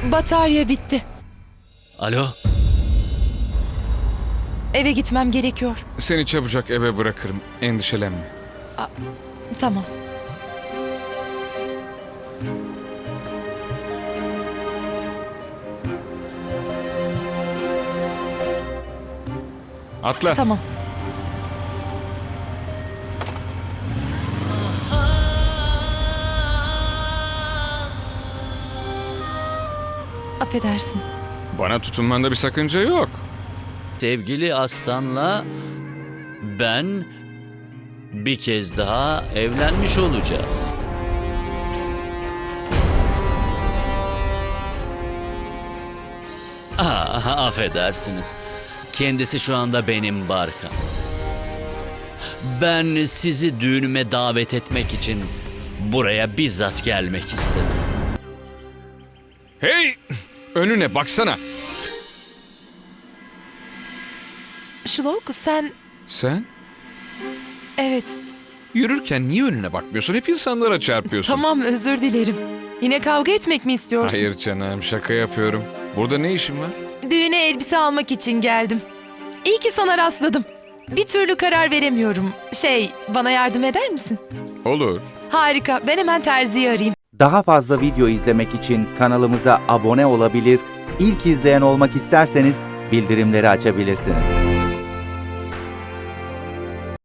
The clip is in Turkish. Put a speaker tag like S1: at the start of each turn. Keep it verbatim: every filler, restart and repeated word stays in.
S1: Batarya bitti.
S2: Alo?
S1: Eve gitmem gerekiyor.
S3: Seni çabucak eve bırakırım. Endişelenme.
S1: Tamam.
S3: Atla.
S1: Tamam. Affedersin.
S3: Bana tutunmanda bir sakınca yok.
S2: Sevgili Aslan'la ben bir kez daha evlenmiş olacağız. Ah, affedersiniz. Kendisi şu anda benim Barkam. Ben sizi düğünüme davet etmek için buraya bizzat gelmek istedim.
S3: Hey! Önüne baksana.
S1: Şlok, sen...
S3: Sen
S1: Evet.
S3: yürürken niye önüne bakmıyorsun? Hep insanlara çarpıyorsun.
S1: Tamam, özür dilerim. Yine kavga etmek mi istiyorsun?
S3: Hayır canım, şaka yapıyorum. Burada ne işin var?
S1: Düğüne elbise almak için geldim. İyi ki sana rastladım. Bir türlü karar veremiyorum. Şey, bana yardım eder misin?
S3: Olur.
S1: Harika, ben hemen terziyi arayayım.
S4: Daha fazla video izlemek için kanalımıza abone olabilir, ilk izleyen olmak isterseniz bildirimleri açabilirsiniz.